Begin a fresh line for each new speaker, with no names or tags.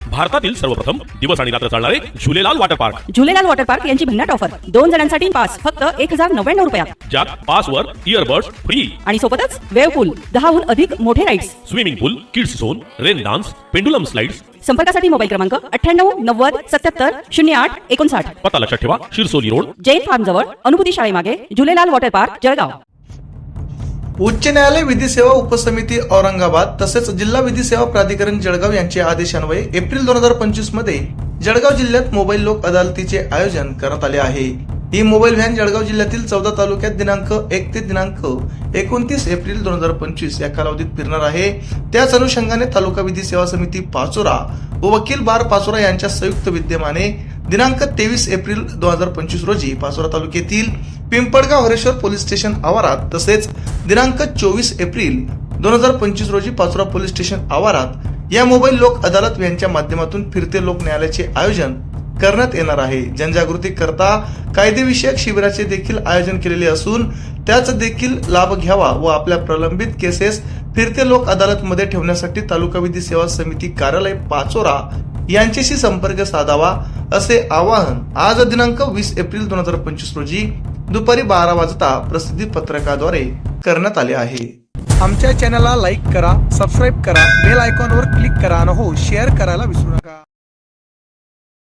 भारतातील सर्वप्रथम दिवस आणि रात्र चालणारे Jhulelal water park.
Jhulelal water park यांची भन्नाट ऑफर 2 जणांसाठी पास फक्त 1099 रुपयात.
ज्यात पासवर इयरबड्स फ्री
आणि सोबतच वेव पूल 10हून अधिक मोठे rides,
swimming pool, kids zone, rain dance, pendulum slides.
संपर्कासाठी मोबाईल क्रमांक 98 90 77 08 59.
पत्ता लक्षात ठेवा, शिरसोली रोड,
जैन फार्म जवळ, अनुभूती शाळेमागे, झुलेलाल वॉटर पार्क, जळगाव.
उच्च न्यायालय विधी सेवा उपसमिती औरंगाबाद तसेच जिल्हा विधी सेवा प्राधिकरण जळगाव यांच्या आदेशान्वये एप्रिल 2025 मध्ये जळगाव जिल्ह्यात मोबाईल लोक अदालतीचे आयोजन करण्यात आले आहे. ही मोबाईल व्हॅन जळगाव जिल्ह्यातील 14 तालुक्यात दिनांक 1 ते दिनांक 29 एप्रिल 2025 या कालावधीत फिरणार आहे. त्याच अनुषंगाने तालुका विधी सेवा समिती पाचोरा व वकील बार पाचोरा यांच्या संयुक्त विद्यमाने दिनांक 23 एप्रिल 2025 रोजी पाचोरा तालुक्यातील पिंपळगाव हरेश्वर पोलीस स्टेशन आवारात तसेच दिनांक 24 एप्रिल 2025 रोजी पाचोरा पोलीस स्टेशन आवारात या मोबाईल लोक अदालत व्हॅनच्या माध्यमातून फिरते लोक न्यायालयाचे आयोजन करण्यात येणार आहे. जनजागृती करता कायदेविषयक शिबिराचे देखील आयोजन केलेले असून त्याच देखील लाभ घ्यावा व आपल्या प्रलंबित केसेस फिरते लोक अदालत मध्ये ठेवण्यासाठी तालुका विधी सेवा समिती कार्यालय पाचोरा यांच्याशी संपर्क साधावा असे आवाहन आज दिनांक 20 एप्रिल 2025 रोजी दुपारी 12 वाजता प्रसिद्धी पत्रकाद्वारे करण्यात आले आहे.
आमच्या चॅनलला लाईक करा, सबस्क्राईब करा, बेल आयकॉनवर क्लिक करा आणि हो शेअर करायला विसरू नका.